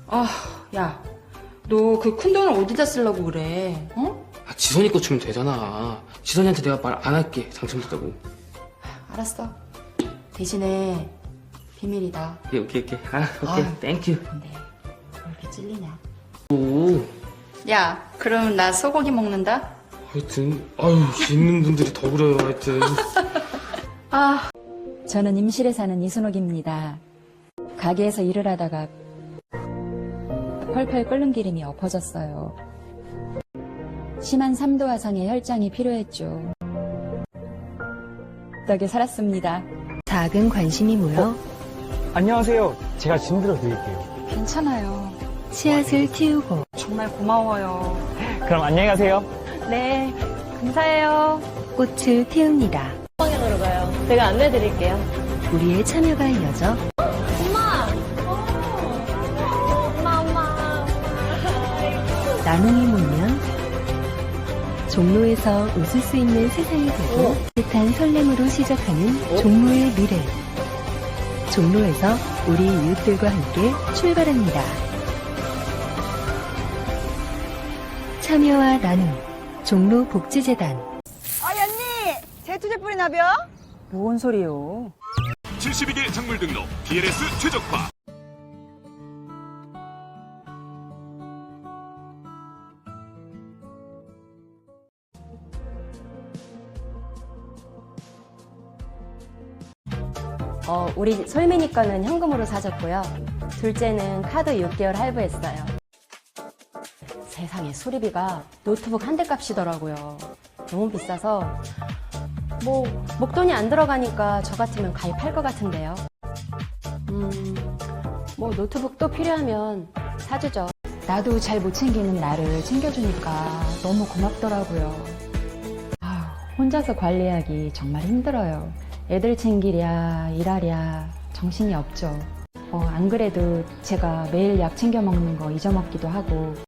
아, 야, 너 그 큰 돈을 어디다 쓰려고 그래? 어? 아, 지선이 거 주면 되잖아. 지선이한테 내가 말 안 할게. 당첨됐다고. 알았어. 대신에 비밀이다. 오케이. 아, 오케이. 아. 땡큐. 근데 왜 이렇게 찔리냐? 오. 야, 그럼 나 소고기 먹는다? 하여튼, 아유, 있는 분들이 더 그래요, 하여튼. 아, 저는 임실에 사는 이순옥입니다. 가게에서 일을 하다가 펄펄 끓는 기름이 엎어졌어요. 심한 3도 화상의 혈장이 필요했죠. 덕에 살았습니다. 작은 관심이 모여 안녕하세요. 제가 짐 들어드릴게요. 괜찮아요. 씨앗을 틔우고 정말 고마워요. 그럼 안녕히 가세요. 네, 감사해요. 꽃을 틔웁니다. 방향으로 가요. 제가 안내 드릴게요. 우리의 참여가 이어져 나눔이 모이면 종로에서 웃을 수 있는 세상이 되고 뜻한 설렘으로 시작하는 종로의 미래. 종로에서 우리 이웃들과 함께 출발합니다. 참여와 나눔 종로복지재단. 언니! 제투제 뿌리나벼? 뭔 소리요? 72개 작물 등록 DLS 최적화. 우리 솔민이 거는 현금으로 사줬고요. 둘째는 카드 6개월 할부했어요. 세상에 수리비가 노트북 한 대 값이더라고요. 너무 비싸서 뭐 목돈이 안 들어가니까 저 같으면 가입할 것 같은데요. 뭐 노트북도 필요하면 사주죠. 나도 잘 못 챙기는 나를 챙겨주니까 너무 고맙더라고요. 혼자서 관리하기 정말 힘들어요. 애들 챙기랴 일하랴 정신이 없죠. 안 그래도 제가 매일 약 챙겨 먹는 거 잊어먹기도 하고